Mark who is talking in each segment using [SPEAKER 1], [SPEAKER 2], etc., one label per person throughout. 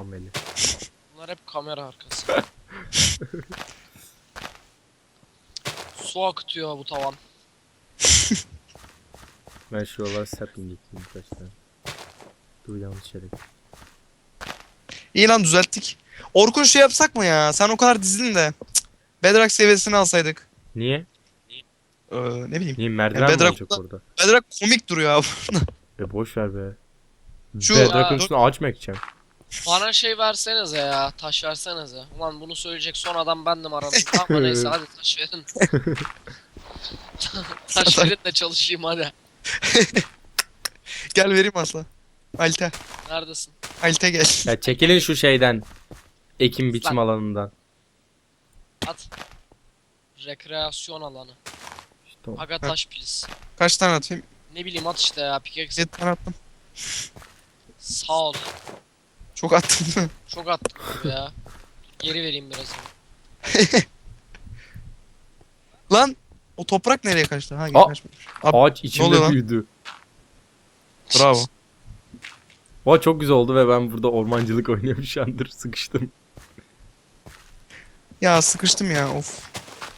[SPEAKER 1] ameli.
[SPEAKER 2] Bunlar hep kamera arkası. Su akıtıyor bu tavan.
[SPEAKER 1] Ben şuralara sapling ekleyeyim kaç tane. Dur yanlış yere.
[SPEAKER 3] İyi lan düzelttik. Orkun şey yapsak mı ya? Sen o kadar dizildin de. Cık. Bedrock seviyesini alsaydık.
[SPEAKER 1] Niye?
[SPEAKER 3] Ne bileyim.
[SPEAKER 1] Niye merdiven mi
[SPEAKER 3] Bedrock-
[SPEAKER 1] olacak orada?
[SPEAKER 3] Bedrock komik duruyor abi.
[SPEAKER 1] Boş ver be.
[SPEAKER 3] Şu-
[SPEAKER 1] Bedrock'ın
[SPEAKER 2] Ya-
[SPEAKER 1] üstüne ağaç mı ekeceğim?
[SPEAKER 2] Bana şey versenize ya. Taş versenize. Ulan bunu söyleyecek son adam bendim aranızda. Ama neyse hadi taş verin. Taş verin de çalışayım hadi.
[SPEAKER 3] Gel vereyim asla. Alte.
[SPEAKER 2] Neredesin?
[SPEAKER 3] Alte gel.
[SPEAKER 1] Ya çekilin şu şeyden. Ekim biçim alanından.
[SPEAKER 2] At. Rekreasyon alanı.
[SPEAKER 1] İşte o.
[SPEAKER 2] Aga taş please.
[SPEAKER 3] Kaç tane atayım?
[SPEAKER 2] Ne bileyim at işte ya pickaxe.
[SPEAKER 3] 7 tane attım.
[SPEAKER 2] Sağ ol.
[SPEAKER 3] Çok attım.
[SPEAKER 2] Çok attım abi ya. Geri vereyim biraz.
[SPEAKER 3] Lan o toprak nereye kaçtı? Ha
[SPEAKER 1] Aa!
[SPEAKER 3] kaçmış. Abi,
[SPEAKER 1] Ağaç
[SPEAKER 3] oluyor
[SPEAKER 1] içimde
[SPEAKER 3] lan?
[SPEAKER 1] büyüdü.
[SPEAKER 3] bravo.
[SPEAKER 1] O çok güzel oldu ve ben burada ormancılık oynuyorum şu andır sıkıştım.
[SPEAKER 3] Ya sıkıştım ya of.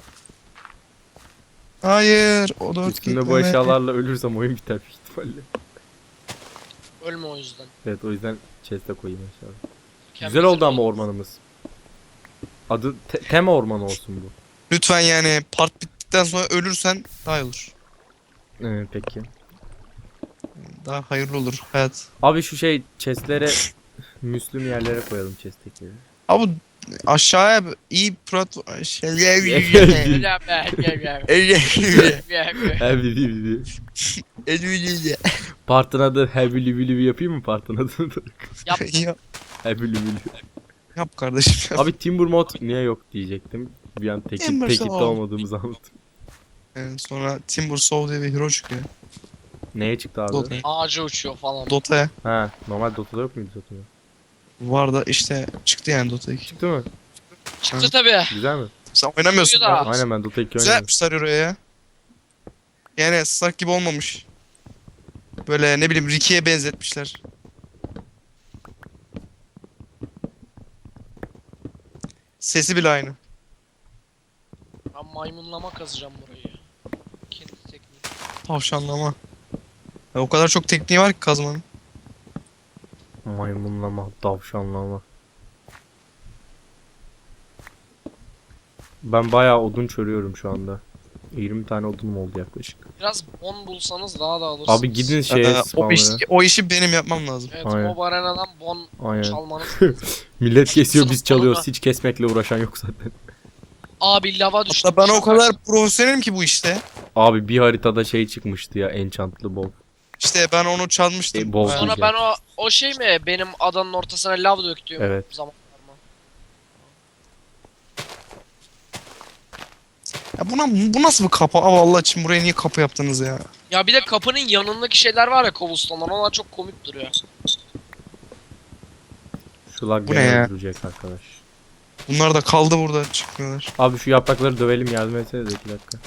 [SPEAKER 3] Hayır o da
[SPEAKER 1] Üstümde bu eşyalarla ölürsem oyun biter büyük ihtimalle.
[SPEAKER 2] Ölme o yüzden.
[SPEAKER 1] Evet o yüzden chest'e koyayım eşyaları.
[SPEAKER 2] Kendimize
[SPEAKER 1] Güzel oldu ama
[SPEAKER 2] koyalım.
[SPEAKER 1] ormanımız. Adı tema ormanı olsun bu.
[SPEAKER 3] Lütfen yani part bittikten sonra ölürsen daha iyi olur.
[SPEAKER 1] Peki.
[SPEAKER 3] Daha hayırlı olur hayat.
[SPEAKER 1] Abi şu şey chest'lere Müslüm yerlere koyalım chest'tekileri.
[SPEAKER 3] Abi aşağıya iyi prat şey
[SPEAKER 2] Gel be, gel.
[SPEAKER 1] Heavy Livi. Partın adı Heavy Livi yapayım mı partın adını?
[SPEAKER 2] Yap.
[SPEAKER 1] Heavy Livi.
[SPEAKER 3] Yap kardeşim. Yap.
[SPEAKER 1] Abi Timber mod niye yok diyecektim. Bir an
[SPEAKER 3] Timber
[SPEAKER 1] tekipte
[SPEAKER 3] Saw.
[SPEAKER 1] olmadığımızı anlattım.
[SPEAKER 3] Sonra Timber Saw diye bir hero çıkıyor.
[SPEAKER 1] Neye çıktı abi?
[SPEAKER 3] Dota.
[SPEAKER 2] Ağaca uçuyor falan.
[SPEAKER 3] Dota'ya.
[SPEAKER 1] Ha, normal Dota'da yok muydu zaten?
[SPEAKER 3] Var da işte çıktı yani Dota 2.
[SPEAKER 1] Çıktı mı?
[SPEAKER 2] Çıktı tabi.
[SPEAKER 1] Güzel mi?
[SPEAKER 3] Sen oynamıyorsun.
[SPEAKER 2] Çıkıyor da.
[SPEAKER 3] ya.
[SPEAKER 1] Aynen ben Dota 2
[SPEAKER 3] Güzel
[SPEAKER 1] oynadım.
[SPEAKER 3] yapmışlar oraya ya. Yani Stark gibi olmamış. Böyle ne bileyim Ricky'ye benzetmişler. Sesi bile aynı.
[SPEAKER 2] Ben maymunlama kazacağım burayı. Kendi tekniği.
[SPEAKER 3] Tavşanlama. Ya o kadar çok tekniği var ki kazmanın.
[SPEAKER 1] Maymunlama, tavşanlama. Ben bayağı odun çörüyorum şu anda. 20 tane odunum oldu yaklaşık.
[SPEAKER 2] Biraz bon bulsanız daha da alırsınız.
[SPEAKER 1] Abi gidin şeye
[SPEAKER 3] O işi benim yapmam lazım.
[SPEAKER 2] Evet
[SPEAKER 1] Aynen.
[SPEAKER 2] Mob Arena'dan bon
[SPEAKER 1] Aynen.
[SPEAKER 2] çalmanız.
[SPEAKER 1] Millet kesiyor biz
[SPEAKER 2] Sınıf
[SPEAKER 1] çalıyoruz.
[SPEAKER 2] falan.
[SPEAKER 1] Hiç kesmekle uğraşan yok zaten.
[SPEAKER 2] Abi lava düştü.
[SPEAKER 3] Hatta ben o kadar profesyonelim ki bu işte.
[SPEAKER 1] Abi bir haritada şey çıkmıştı ya enchantlı bow.
[SPEAKER 3] İşte ben onu çalmıştım.
[SPEAKER 1] Bol
[SPEAKER 3] Ha,
[SPEAKER 2] Sonra
[SPEAKER 1] diyeceğim.
[SPEAKER 2] ben o şey mi benim adanın ortasına lav döktüğüm
[SPEAKER 1] Evet.
[SPEAKER 2] zamanlar mı?
[SPEAKER 3] ya bu nasıl bir kapı? Aa vallahi için buraya niye kapı yaptınız ya?
[SPEAKER 2] Ya bir de kapının yanındaki şeyler var ya cobblestone'lar onlar çok komik duruyor.
[SPEAKER 1] Şu lag
[SPEAKER 3] Bu
[SPEAKER 1] beni
[SPEAKER 3] ne ya?
[SPEAKER 1] öldürecek arkadaş.
[SPEAKER 3] Bunlar da kaldı burada çıkmıyorlar.
[SPEAKER 1] Abi şu yaprakları dövelim yardım etsenize 2 dakika.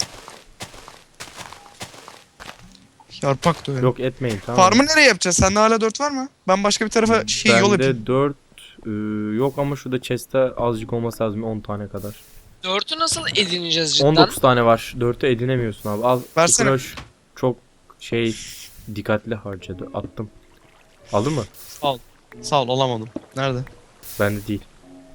[SPEAKER 3] Yarpak da öyle.
[SPEAKER 1] Yok etmeyin tamam mı?
[SPEAKER 3] Farmı nereye yapacağız? Sende hala 4 var mı? Ben başka bir tarafa yol yapayım.
[SPEAKER 1] Bende 4 yok ama şurada chest'te azıcık olması lazım 10 tane kadar.
[SPEAKER 2] 4'ü nasıl edineceğiz cidden?
[SPEAKER 1] 19 tane var. 4'ü edinemiyorsun abi. Al.
[SPEAKER 3] Versene.
[SPEAKER 1] Kroş çok şey dikkatli harcadı. Attım. Aldın mı?
[SPEAKER 3] Sağ ol alamadım. Nerede?
[SPEAKER 1] Bende değil.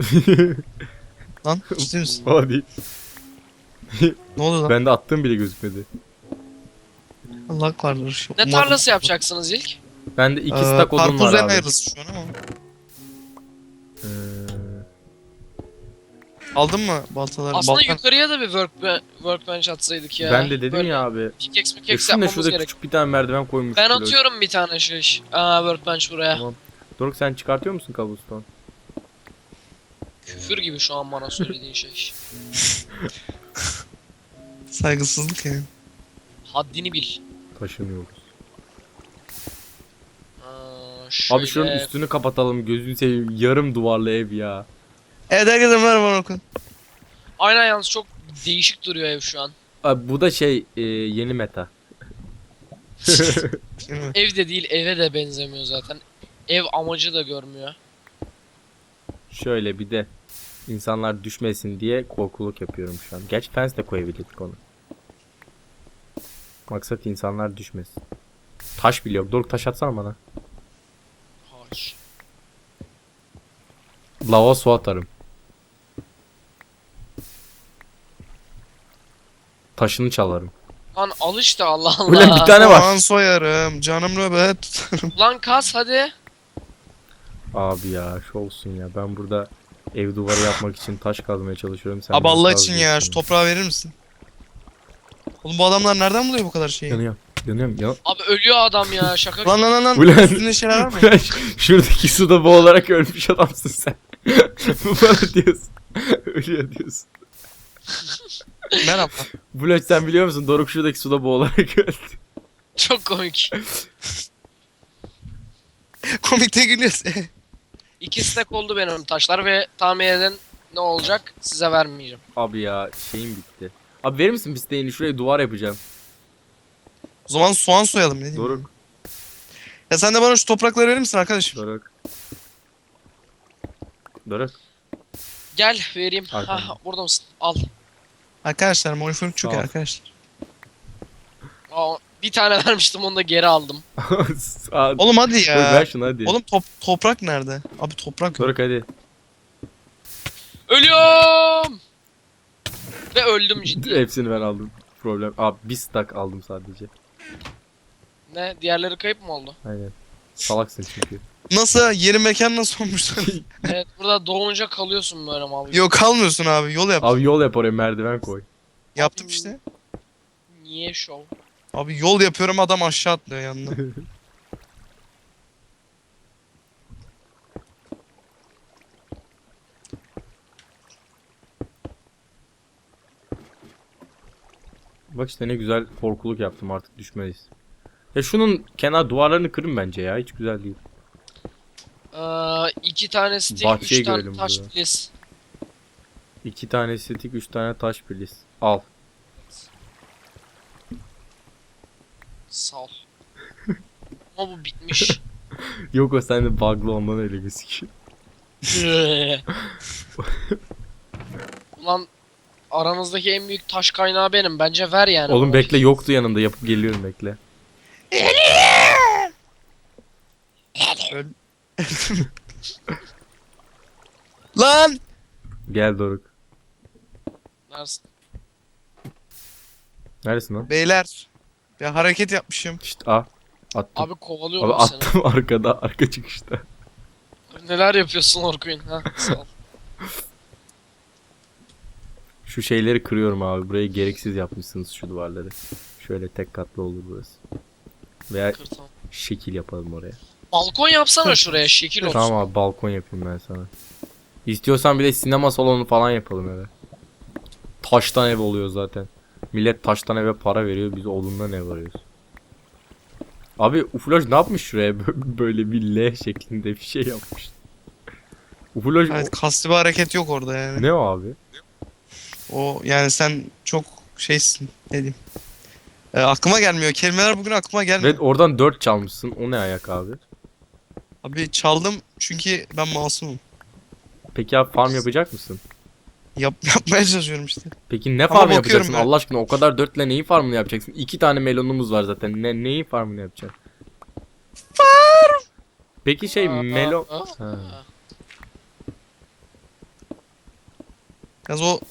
[SPEAKER 3] Lan ciddi misin?
[SPEAKER 1] Valla değil.
[SPEAKER 3] Ne oluyor lan?
[SPEAKER 1] Bende attığım bile gözükmedi.
[SPEAKER 3] Allah vardır.
[SPEAKER 2] Ne tarlası yapacaksınız ilk?
[SPEAKER 1] Bende 2 stack odun var
[SPEAKER 3] Karpuz en
[SPEAKER 1] abi.
[SPEAKER 3] hayırlısı şu an ama.
[SPEAKER 1] Ee,
[SPEAKER 3] Aldın mı baltaları?
[SPEAKER 2] Aslında
[SPEAKER 3] Baltan-
[SPEAKER 2] yukarıya da bir workbench atsaydık ya.
[SPEAKER 1] ben de dedim
[SPEAKER 2] Böyle
[SPEAKER 1] ya abi.
[SPEAKER 2] Pickaxe
[SPEAKER 1] Ya
[SPEAKER 2] pickaxe
[SPEAKER 1] şurada
[SPEAKER 2] yapmamız gerek.
[SPEAKER 1] küçük bir tane merdiven koymuş.
[SPEAKER 2] Ben atıyorum bir tane şey. Workbench buraya.
[SPEAKER 1] Tamam. Doruk sen çıkartıyor musun cobblestone?
[SPEAKER 2] Küfür gibi şu an bana söylediğin şey.
[SPEAKER 3] Saygısızlık yani.
[SPEAKER 2] Haddini bil.
[SPEAKER 1] Taşınıyoruz.
[SPEAKER 2] Şöyle...
[SPEAKER 1] Abi şunun üstünü kapatalım gözünü seveyim. Yarım duvarlı ev ya.
[SPEAKER 3] Evet herkese merhaba Orkun.
[SPEAKER 2] Aynen yalnız çok değişik duruyor ev şu an.
[SPEAKER 1] Abi bu da şey yeni meta.
[SPEAKER 3] Değil mi?
[SPEAKER 2] Ev de değil eve de benzemiyor zaten. Ev amacı da görmüyor.
[SPEAKER 1] Şöyle bir de insanlar düşmesin diye korkuluk yapıyorum şu an. Gerçi fence de koyabilirdik onu. Maksat insanlar düşmesin. Taş bile yok. Doruk taş atsana bana.
[SPEAKER 2] Hayır.
[SPEAKER 1] Lava su atarım. Taşını çalarım.
[SPEAKER 2] Lan al işte Allah
[SPEAKER 1] Ulan bir
[SPEAKER 2] Allah.
[SPEAKER 1] tane var.
[SPEAKER 3] Soğan soyarım. Canım nöbet tutarım.
[SPEAKER 2] Lan kas hadi.
[SPEAKER 1] Abi ya şu olsun ya. Ben burada ev duvarı yapmak için taş kazmaya çalışıyorum. Sen
[SPEAKER 3] Abi
[SPEAKER 1] beni
[SPEAKER 3] Allah
[SPEAKER 1] kaz
[SPEAKER 3] için ya
[SPEAKER 1] diyorsun
[SPEAKER 3] şu toprağı verir misin? Oğlum bu adamlar nereden buluyor bu kadar şeyi?
[SPEAKER 1] Yanıyorum. Yanıyorum. Ya.
[SPEAKER 2] Abi ölüyor adam ya şaka.
[SPEAKER 3] Lan.
[SPEAKER 1] Ulan.
[SPEAKER 3] Üstünde şeyler var mı?
[SPEAKER 1] Ulan şuradaki suda boğularak ölmüş adamsın sen. Bu bana diyorsun. Ölüyor diyorsun.
[SPEAKER 3] Merhaba.
[SPEAKER 1] Bulat sen biliyor musun? Doruk şuradaki suda boğularak öldü.
[SPEAKER 2] Çok komik.
[SPEAKER 3] Komikte gülüyoruz.
[SPEAKER 2] 2 stack oldu benim taşlar ve tahmin edin ne olacak size vermeyeceğim.
[SPEAKER 1] Abi ya şeyim bitti. Abi verir misin pisteğini? Şuraya duvar yapacağım.
[SPEAKER 3] O zaman soğan soyalım ne diyeyim.
[SPEAKER 1] Doruk.
[SPEAKER 3] Ya sen de bana şu toprakları verir misin arkadaşım?
[SPEAKER 1] Doruk. Doruk.
[SPEAKER 2] Gel vereyim.
[SPEAKER 1] Arkanda.
[SPEAKER 2] Hah burada mısın? Al.
[SPEAKER 3] Arkadaşlar monifon çok iyi
[SPEAKER 1] Al.
[SPEAKER 3] arkadaşlar.
[SPEAKER 2] Aa, bir tane vermiştim onu da geri aldım.
[SPEAKER 1] Aa,
[SPEAKER 3] Oğlum hadi
[SPEAKER 1] Doruk,
[SPEAKER 3] ya.
[SPEAKER 1] ver şunu hadi.
[SPEAKER 3] Oğlum toprak nerede? Abi toprak yok.
[SPEAKER 1] Doruk hadi.
[SPEAKER 2] Ölüyorum. Ve öldüm ciddi.
[SPEAKER 1] Hepsini ben aldım. Problem. Abi bir stack aldım sadece.
[SPEAKER 2] Ne? Diğerleri kayıp mı oldu?
[SPEAKER 1] Aynen. Salaksın çünkü.
[SPEAKER 3] Nasıl? Yeri mekan nasıl olmuş?
[SPEAKER 2] Evet burada doğunca kalıyorsun böyle mal gibi.
[SPEAKER 3] Yok kalmıyorsun abi yol yap.
[SPEAKER 1] Abi yol yap oraya merdiven koy.
[SPEAKER 3] Yaptım işte.
[SPEAKER 2] Niye şov?
[SPEAKER 3] Abi yol yapıyorum adam aşağı atlıyor yanına.
[SPEAKER 1] Bak işte ne güzel korkuluk yaptım artık düşmeyiz. Ya şunun kenar duvarlarını kırın bence ya hiç güzel değil.
[SPEAKER 2] 2 tane stick,
[SPEAKER 1] Bahçeyi
[SPEAKER 2] 3 tane
[SPEAKER 1] görelim
[SPEAKER 2] taş
[SPEAKER 1] burada.
[SPEAKER 2] please.
[SPEAKER 1] 2 tane stick 3 tane taş please. Al.
[SPEAKER 2] Sağ ol. Ama bu bitmiş.
[SPEAKER 1] Yok o sende bug'lı ondan öyle gözüküyor.
[SPEAKER 2] Ulan aranızdaki en büyük taş kaynağı benim. Bence ver yani.
[SPEAKER 1] Oğlum
[SPEAKER 2] bana.
[SPEAKER 1] bekle yoktu yanımda yapıp geliyorum bekle.
[SPEAKER 3] Lan!
[SPEAKER 1] Gel Doruk.
[SPEAKER 2] Neredesin?
[SPEAKER 1] Neredesin lan?
[SPEAKER 3] Beyler. Bir hareket yapmışım.
[SPEAKER 1] İşte attım.
[SPEAKER 2] Abi kovalıyorum
[SPEAKER 1] Abi
[SPEAKER 2] seni.
[SPEAKER 1] attım arkada arka çıkışta.
[SPEAKER 2] Neler yapıyorsun Orkun? Ha, sağ ol.
[SPEAKER 1] Şu şeyleri kırıyorum abi. Burayı gereksiz yapmışsınız şu duvarları. Şöyle tek katlı olur burası. Veya
[SPEAKER 2] Kır tamam.
[SPEAKER 1] şekil yapalım oraya.
[SPEAKER 2] Balkon yapsana şuraya şekil olsun.
[SPEAKER 1] Tamam abi balkon yapayım ben sana. İstiyorsan bir de sinema salonu falan yapalım eve. Taştan ev oluyor zaten. Millet taştan eve para veriyor biz odundan ev arıyoruz. Abi Ufloj ne yapmış şuraya böyle bir L şeklinde bir şey yapmış. Ufloj
[SPEAKER 3] Evet kasti bir hareket yok orada yani.
[SPEAKER 1] ne o abi?
[SPEAKER 3] O yani sen çok şeysin ne diyeyim. Aklıma gelmiyor. Kelimeler bugün aklıma gelmiyor.
[SPEAKER 1] Ve oradan 4 çalmışsın o ne ayak abi?
[SPEAKER 3] Abi çaldım çünkü ben masumum.
[SPEAKER 1] Peki abi farm yapacak mısın?
[SPEAKER 3] Yapmaya çalışıyorum işte.
[SPEAKER 1] Peki ne
[SPEAKER 3] Ama
[SPEAKER 1] farm
[SPEAKER 3] bakıyorum
[SPEAKER 1] yapacaksın
[SPEAKER 3] ben.
[SPEAKER 1] Allah aşkına o kadar 4 ile neyi farmını yapacaksın? 2 tane melonumuz var zaten neyin farmını yapacaksın? Farm! Peki şey melon... Ha.
[SPEAKER 3] Yalnız o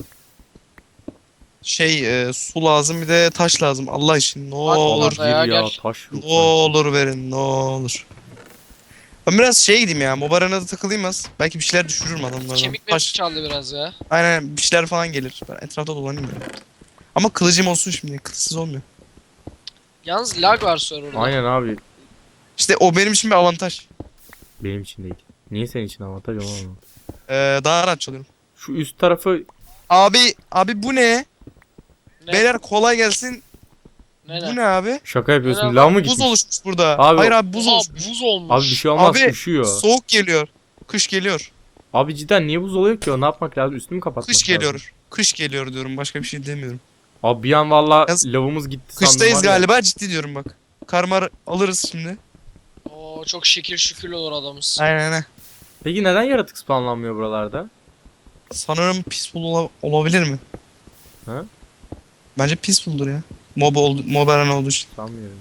[SPEAKER 3] su lazım bir de taş lazım Allah için. Ne olur.
[SPEAKER 1] Gir
[SPEAKER 2] Ya,
[SPEAKER 1] ya
[SPEAKER 2] gel.
[SPEAKER 1] taş yok.
[SPEAKER 3] Ne olur verin ne olur. Ben biraz gideyim ya. Mobarana da takılayım az. Belki bir şeyler düşürürüm adamlardan.
[SPEAKER 2] Kemik mi çaldı biraz ya?
[SPEAKER 3] Aynen bir şeyler falan gelir. Ben etrafta dolanayım ya. Ama kılıcım olsun şimdi. Kılıçsız olmuyor.
[SPEAKER 2] Yalnız lag var serverda.
[SPEAKER 1] Aynen abi.
[SPEAKER 3] İşte o benim için bir avantaj.
[SPEAKER 1] Benim için değil. Niye senin için avantaj olmaz?
[SPEAKER 3] Daha rahat çalıyorum.
[SPEAKER 1] Şu üst tarafı
[SPEAKER 3] Abi bu ne?
[SPEAKER 2] Ne?
[SPEAKER 3] Beyler kolay gelsin.
[SPEAKER 2] Ne
[SPEAKER 3] Bu ne abi?
[SPEAKER 1] şaka yapıyorsun.
[SPEAKER 2] Ne
[SPEAKER 1] Lav mı
[SPEAKER 3] Buz
[SPEAKER 1] gitmiş?
[SPEAKER 3] oluşmuş burada.
[SPEAKER 1] Abi-
[SPEAKER 3] Hayır abi buz
[SPEAKER 2] Oha,
[SPEAKER 3] oluşmuş.
[SPEAKER 2] buz olmuş.
[SPEAKER 1] Abi bir şey olmaz
[SPEAKER 3] Abi,
[SPEAKER 1] üşüyor.
[SPEAKER 3] Soğuk geliyor. Kış geliyor.
[SPEAKER 1] Abi cidden niye buz oluyor ki o? Ne yapmak lazım? Üstünü mü kapatmak
[SPEAKER 3] Kış
[SPEAKER 1] lazım?
[SPEAKER 3] geliyor. Kış geliyor diyorum. Başka bir şey demiyorum.
[SPEAKER 1] Abi bir an valla
[SPEAKER 3] Yaz-
[SPEAKER 1] lavımız gitti sandım
[SPEAKER 3] Kıştayız
[SPEAKER 1] var ya.
[SPEAKER 3] galiba ciddi diyorum bak. Karmar alırız şimdi.
[SPEAKER 2] Oo, çok şekil şükür olur adamız.
[SPEAKER 3] Aynen.
[SPEAKER 1] Peki neden yaratık spawnlanmıyor buralarda?
[SPEAKER 3] Sanırım peaceful olabilir mi?
[SPEAKER 1] Ha?
[SPEAKER 3] Bence peaceful'dur ya. Mob arena olduğu için.
[SPEAKER 1] Sanmıyorum.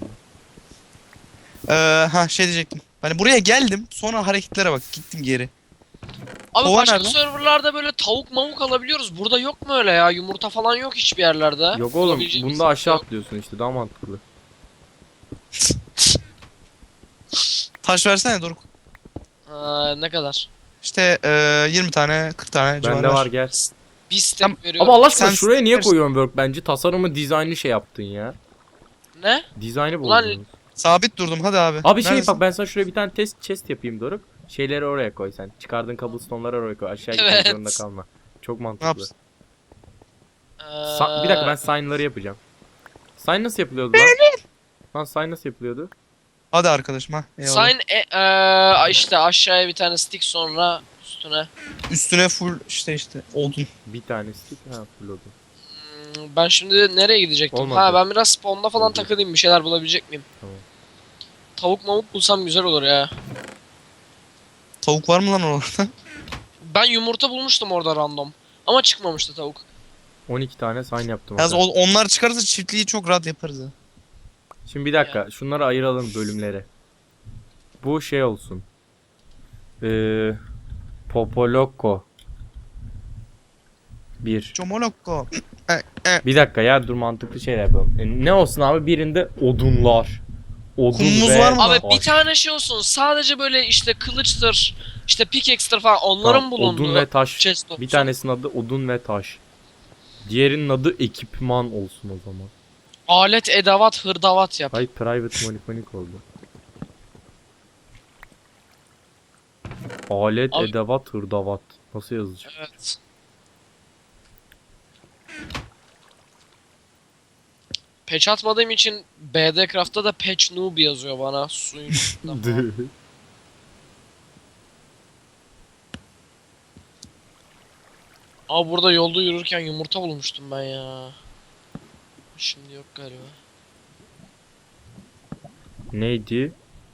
[SPEAKER 3] Şey diyecektim. Hani buraya geldim. Sonra hareketlere bak. Gittim geri.
[SPEAKER 2] Abi
[SPEAKER 3] Kova
[SPEAKER 2] başka
[SPEAKER 3] nerede?
[SPEAKER 2] serverlarda böyle tavuk mavuk alabiliyoruz. Burada yok mu öyle ya? Yumurta falan yok hiçbir yerlerde.
[SPEAKER 1] Yok oğlum
[SPEAKER 2] Bulabileceğimiz
[SPEAKER 1] bunda aşağı
[SPEAKER 2] yok.
[SPEAKER 1] atlıyorsun işte daha mantıklı.
[SPEAKER 3] Taş versene Doruk.
[SPEAKER 2] Ne kadar?
[SPEAKER 3] İşte 20 tane 40 tane civarı
[SPEAKER 1] Bende var gel.
[SPEAKER 2] Bir step
[SPEAKER 3] Tamam.
[SPEAKER 2] veriyorum.
[SPEAKER 1] Ama Allah aşkına
[SPEAKER 3] Sen
[SPEAKER 1] şuraya niye
[SPEAKER 3] versin.
[SPEAKER 1] koyuyorsun work bence? Tasarımı dizaynı şey yaptın ya.
[SPEAKER 2] Ne?
[SPEAKER 1] Dizaynı
[SPEAKER 2] Ulan-
[SPEAKER 1] bozdun.
[SPEAKER 3] Sabit durdum hadi abi.
[SPEAKER 1] Abi şey
[SPEAKER 3] Neredesin?
[SPEAKER 1] bak ben sana şuraya bir tane test chest yapayım Doruk. Şeyleri oraya koy sen. Çıkardığın cobblestone'ları oraya koy. Aşağı gitmek
[SPEAKER 2] Evet.
[SPEAKER 1] zorunda kalma. Çok
[SPEAKER 3] Ne
[SPEAKER 1] mantıklı.
[SPEAKER 3] yapsın?
[SPEAKER 1] Bir dakika ben sign'ları yapacağım. Sign nasıl yapılıyordu lan? Lan sign nasıl yapılıyordu?
[SPEAKER 3] Hadi arkadaşım ha. Eyvallah.
[SPEAKER 2] Sign işte aşağıya bir tane stick sonra üstüne.
[SPEAKER 3] Üstüne full işte odun.
[SPEAKER 1] Bir tane stick ha full oldu.
[SPEAKER 2] Ben şimdi nereye gidecektim?
[SPEAKER 1] Olmadı.
[SPEAKER 2] Ha ben biraz spawn'da falan
[SPEAKER 1] Oldu.
[SPEAKER 2] takılayım bir şeyler bulabilecek miyim?
[SPEAKER 1] Tamam.
[SPEAKER 2] Tavuk mavuk bulsam güzel olur ya.
[SPEAKER 3] Tavuk var mı lan orada?
[SPEAKER 2] Ben yumurta bulmuştum orada random. Ama çıkmamıştı tavuk.
[SPEAKER 1] 12 tane sign yaptım.
[SPEAKER 3] Yalnız
[SPEAKER 1] hatta.
[SPEAKER 3] onlar çıkarsa çiftliği çok rahat yaparız ha.
[SPEAKER 1] Şimdi bir dakika şunları ayıralım bölümlere. Bu şey olsun. Popoloko. 1.
[SPEAKER 3] Comolokko.
[SPEAKER 1] Bir dakika ya dur mantıklı şeyler yapalım. Ne olsun abi birinde odunlar. Odun
[SPEAKER 3] Kumumuz
[SPEAKER 1] ve
[SPEAKER 3] var mı?
[SPEAKER 2] Abi
[SPEAKER 1] taş.
[SPEAKER 2] bir tane şey olsun. Sadece böyle işte kılıçtır, işte pickaxe'tir falan onların
[SPEAKER 1] Tamam,
[SPEAKER 2] bulunduğu
[SPEAKER 1] odun ve taş.
[SPEAKER 2] chest olsun.
[SPEAKER 1] Bir tanesinin adı odun ve taş. Diğerinin adı ekipman olsun o zaman.
[SPEAKER 2] Alet, edevat, hırdavat yap.
[SPEAKER 1] Hayır private monik oldu. Alet,
[SPEAKER 2] Abi-
[SPEAKER 1] edevat, hırdavat. Nasıl yazacak?
[SPEAKER 2] Evet. Patch atmadığım için BD Craft'ta da patch noob yazıyor bana suyun üstünde falan. Abi burada yolda yürürken yumurta bulmuştum ben ya. Şimdi yok galiba.
[SPEAKER 1] Neydi?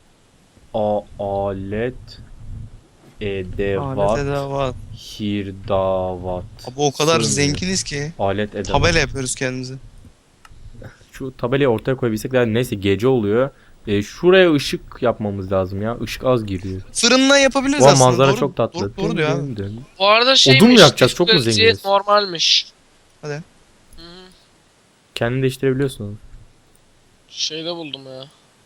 [SPEAKER 1] Alet, edevat,
[SPEAKER 3] Alet edevat.
[SPEAKER 1] hirdavat.
[SPEAKER 3] Abi o kadar
[SPEAKER 1] Sığmıyor.
[SPEAKER 3] zenginiz ki.
[SPEAKER 1] Alet, edevat.
[SPEAKER 3] Tabela yapıyoruz kendimize.
[SPEAKER 1] Şu tabelayı ortaya koyabilsek de neyse gece oluyor. Şuraya ışık yapmamız lazım ya. Işık az giriyor.
[SPEAKER 3] Fırınla yapabiliriz
[SPEAKER 1] Bu
[SPEAKER 3] aslında.
[SPEAKER 1] manzara
[SPEAKER 3] doğru,
[SPEAKER 1] çok tatlı.
[SPEAKER 3] Doğru diyor abi.
[SPEAKER 2] Bu arada şeymiş.
[SPEAKER 1] Odun mu yakacağız? Çok mu
[SPEAKER 2] difficulty
[SPEAKER 1] zenginiz?
[SPEAKER 2] Normalmiş.
[SPEAKER 3] Hadi.
[SPEAKER 2] Hı -hı.
[SPEAKER 1] Kendini değiştirebiliyorsun onu.
[SPEAKER 2] Şeyde buldum ya.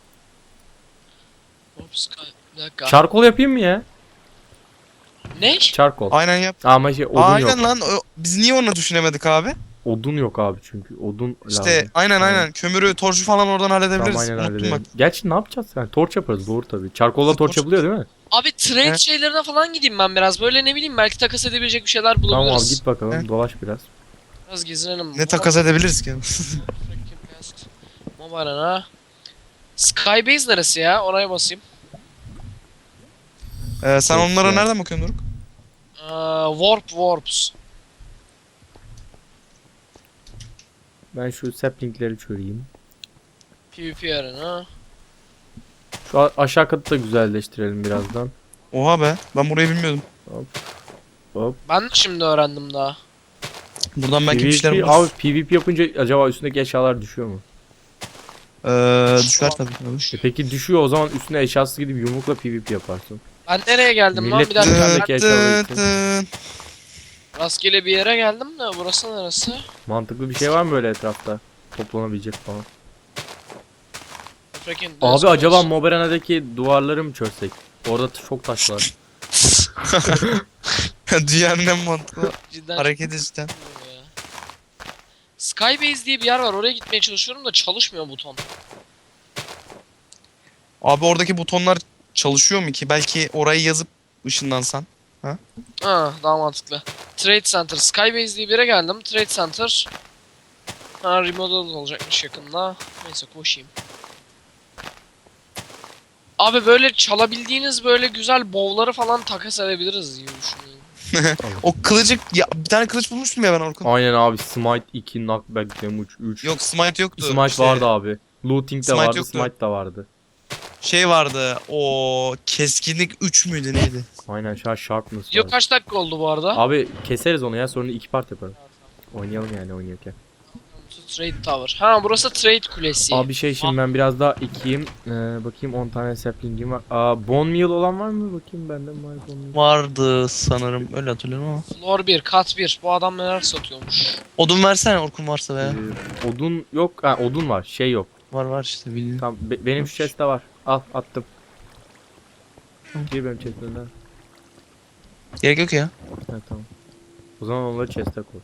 [SPEAKER 2] Ops, bir dakika.
[SPEAKER 1] Charcoal yapayım mı ya?
[SPEAKER 2] Ne?
[SPEAKER 1] Charcoal.
[SPEAKER 3] Aynen yap.
[SPEAKER 1] Ama şey odun
[SPEAKER 3] Aynen
[SPEAKER 1] yok.
[SPEAKER 3] lan. Biz niye onu düşünemedik abi?
[SPEAKER 1] Odun yok abi çünkü. Odun
[SPEAKER 3] İşte
[SPEAKER 1] lazım.
[SPEAKER 3] aynen. Kömürü, torcu falan oradan halledebiliriz.
[SPEAKER 1] Tamam aynen
[SPEAKER 3] Unuttum
[SPEAKER 1] halledelim.
[SPEAKER 3] bak.
[SPEAKER 1] Gerçi ne yapacağız yani? Torç yaparız doğru tabii. Charcoal'la torç
[SPEAKER 3] Torç-
[SPEAKER 1] yapılıyor değil mi?
[SPEAKER 2] Abi trade
[SPEAKER 3] He?
[SPEAKER 2] şeylerine falan gideyim ben biraz. Böyle ne bileyim belki takas edebilecek bir şeyler
[SPEAKER 1] Tamam abi
[SPEAKER 2] bulabiliriz.
[SPEAKER 1] git bakalım
[SPEAKER 3] He?
[SPEAKER 1] dolaş biraz.
[SPEAKER 2] Biraz gezinelim.
[SPEAKER 3] Ne takas edebiliriz ki?
[SPEAKER 2] Mobile ha. Skybase neresi ya? Oraya basayım.
[SPEAKER 3] Sen
[SPEAKER 1] Çok
[SPEAKER 3] onlara
[SPEAKER 1] güzel.
[SPEAKER 3] nereden bakıyorsun Doruk?
[SPEAKER 2] Warps.
[SPEAKER 1] Ben şu saplingleri çöreyim.
[SPEAKER 2] PvP arena.
[SPEAKER 1] Şu aşağı katı da güzelleştirelim birazdan.
[SPEAKER 3] Oha be. Ben burayı bilmiyordum.
[SPEAKER 1] Hop.
[SPEAKER 2] Ben de şimdi öğrendim daha.
[SPEAKER 3] Buradan belki bir şeyler
[SPEAKER 1] PvP,
[SPEAKER 3] buluruz.
[SPEAKER 1] abi PvP yapınca acaba üstündeki eşyalar düşüyor mu?
[SPEAKER 3] Düşer tabii.
[SPEAKER 1] Peki düşüyor o zaman üstüne eşyası gidip yumrukla PvP yaparsın.
[SPEAKER 2] Ben nereye geldim lan?
[SPEAKER 1] Millet
[SPEAKER 2] Bir dakika.
[SPEAKER 1] dünyadaki
[SPEAKER 2] Ben
[SPEAKER 1] eşyalar için.
[SPEAKER 2] rastgele bir yere geldim de burası neresi?
[SPEAKER 1] Mantıklı bir şey var mı böyle etrafta? Toplanabilecek falan.
[SPEAKER 2] Freaking
[SPEAKER 1] Abi acaba Moberana'daki duvarları mı çözsek? Orada çok taş var.
[SPEAKER 3] Dünyanın en mantıklı
[SPEAKER 2] cidden
[SPEAKER 3] hareketi cidden.
[SPEAKER 2] ya. Skybase diye bir yer var. Oraya gitmeye çalışıyorum da çalışmıyor buton.
[SPEAKER 3] Abi oradaki butonlar çalışıyor mu ki? Belki orayı yazıp ışınlansan.
[SPEAKER 2] Ha, daha mantıklı. Trade Center. Skybase diye bir yere geldim. Trade Center. Ha, remodel olacakmış yakında. Neyse koşayım. Abi böyle çalabildiğiniz böyle güzel bowl'ları falan takas edebiliriz diye düşünüyorum.
[SPEAKER 3] O kılıcı ya bir tane kılıç bulmuştum ya ben Orkun.
[SPEAKER 1] Aynen abi Smite 2, Knockback Damage 3.
[SPEAKER 3] Yok smite yoktu.
[SPEAKER 1] Smite
[SPEAKER 3] İşte
[SPEAKER 1] vardı abi. Looting de
[SPEAKER 3] Smite
[SPEAKER 1] vardı,
[SPEAKER 3] yoktu.
[SPEAKER 1] Smite de vardı.
[SPEAKER 3] Şey vardı. O keskinlik 3 müydü neydi?
[SPEAKER 1] Aynen şu an sharpness
[SPEAKER 2] Video
[SPEAKER 1] var.
[SPEAKER 2] kaç dakika oldu bu arada?
[SPEAKER 1] Abi keseriz onu ya, sonra 2 part yaparım. Oynayalım yani oynarken.
[SPEAKER 2] Trade Tower. Ha burası Trade Kulesi.
[SPEAKER 1] Abi şey şimdi ben biraz daha ekeyim. Bakayım 10 tane sapling'im var. Bone meal olan var mı? Bakayım bende mi var bone meal?
[SPEAKER 3] Vardı sanırım. Öyle hatırlıyorum ama.
[SPEAKER 2] Floor 1, kat 1. Bu adam neler satıyormuş.
[SPEAKER 3] Odun versene Orkun varsa be.
[SPEAKER 1] Odun yok. Ha, odun var. Şey yok.
[SPEAKER 3] Var işte bildiğin.
[SPEAKER 1] Tamam benim şu chest'te var. Al attım. Gir benim chest'imden.
[SPEAKER 3] Gerek yok ya.
[SPEAKER 1] Ha tamam. O zaman onları chest'e koy.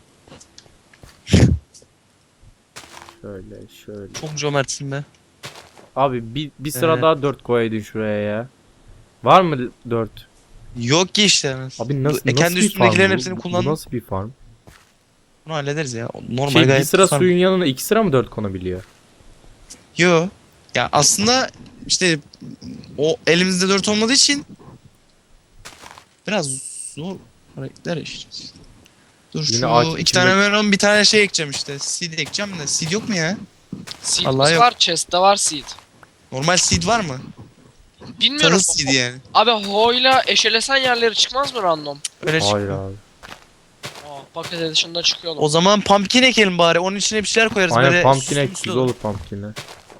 [SPEAKER 1] Şöyle.
[SPEAKER 3] Çok cömertsin be.
[SPEAKER 1] Abi bir sıra
[SPEAKER 3] Evet.
[SPEAKER 1] daha 4 koyaydın şuraya ya. Var mı 4?
[SPEAKER 3] Yok ki işte.
[SPEAKER 1] Abi nasıl
[SPEAKER 3] kendi
[SPEAKER 1] bir farm
[SPEAKER 3] üstündekilerin
[SPEAKER 1] bu?
[SPEAKER 3] hepsini
[SPEAKER 1] Bu
[SPEAKER 3] kullandım.
[SPEAKER 1] nasıl bir farm?
[SPEAKER 3] Bunu hallederiz ya. Normal
[SPEAKER 1] Şey bir
[SPEAKER 3] gayet
[SPEAKER 1] sıra
[SPEAKER 3] farm.
[SPEAKER 1] suyun yanına 2 sıra mı 4 konabiliyor?
[SPEAKER 3] Yo. Ya aslında işte o elimizde 4 olmadığı için biraz zor hareketler yaşayacağız. Dur
[SPEAKER 1] Yine
[SPEAKER 3] şu
[SPEAKER 1] ağaç
[SPEAKER 3] 2
[SPEAKER 1] içinde-
[SPEAKER 3] tane melon bir tane şey ekeceğim işte. Seed ekeceğim de. Seed yok mu ya?
[SPEAKER 2] Seed'imiz
[SPEAKER 3] Allah yok.
[SPEAKER 2] var, chest'te var seed.
[SPEAKER 3] Normal seed var mı?
[SPEAKER 2] Bilmiyorum.
[SPEAKER 3] Tahıl seed yani.
[SPEAKER 2] Abi ho'yla eşelesen yerleri çıkmaz mı random?
[SPEAKER 3] Öyle
[SPEAKER 1] Hayır
[SPEAKER 3] çıkıyor.
[SPEAKER 1] abi.
[SPEAKER 2] Paket edişinde çıkıyor.
[SPEAKER 3] O zaman pumpkin ekelim bari. Onun içine bir şeyler koyarız.
[SPEAKER 1] Aynen
[SPEAKER 3] böyle
[SPEAKER 1] pumpkin ek
[SPEAKER 3] süslü
[SPEAKER 1] güzel olur pumpkin'e.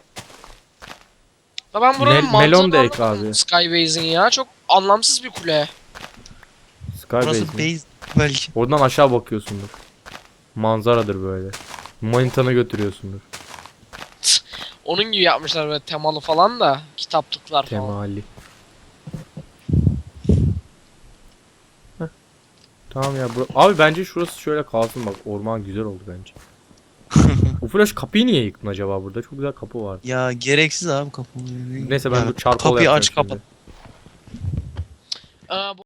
[SPEAKER 2] Ya ben buranın
[SPEAKER 1] melon
[SPEAKER 2] mantığını
[SPEAKER 1] da ek
[SPEAKER 2] anlamadım
[SPEAKER 1] abi.
[SPEAKER 2] Skybase'in ya. Çok anlamsız bir kule.
[SPEAKER 1] Skybase
[SPEAKER 3] Burası
[SPEAKER 1] mi?
[SPEAKER 3] base belki.
[SPEAKER 1] Oradan aşağı bakıyorsundur. Manzaradır böyle. Manitanı götürüyorsundur.
[SPEAKER 2] Onun gibi yapmışlar böyle temalı falan da. Kitaplıklar falan.
[SPEAKER 1] Temali. Heh. Tamam ya abi bence şurası şöyle kalsın bak, orman güzel oldu bence. Bu flash kapıyı niye yıktın acaba burada? Çok güzel kapı var.
[SPEAKER 3] Ya gereksiz abi kapı.
[SPEAKER 1] Neyse ben
[SPEAKER 3] Ya,
[SPEAKER 1] bu çarpı
[SPEAKER 3] kapıyı
[SPEAKER 1] yapacağım
[SPEAKER 3] aç
[SPEAKER 1] şimdi.
[SPEAKER 3] kapat.
[SPEAKER 2] Aa, bu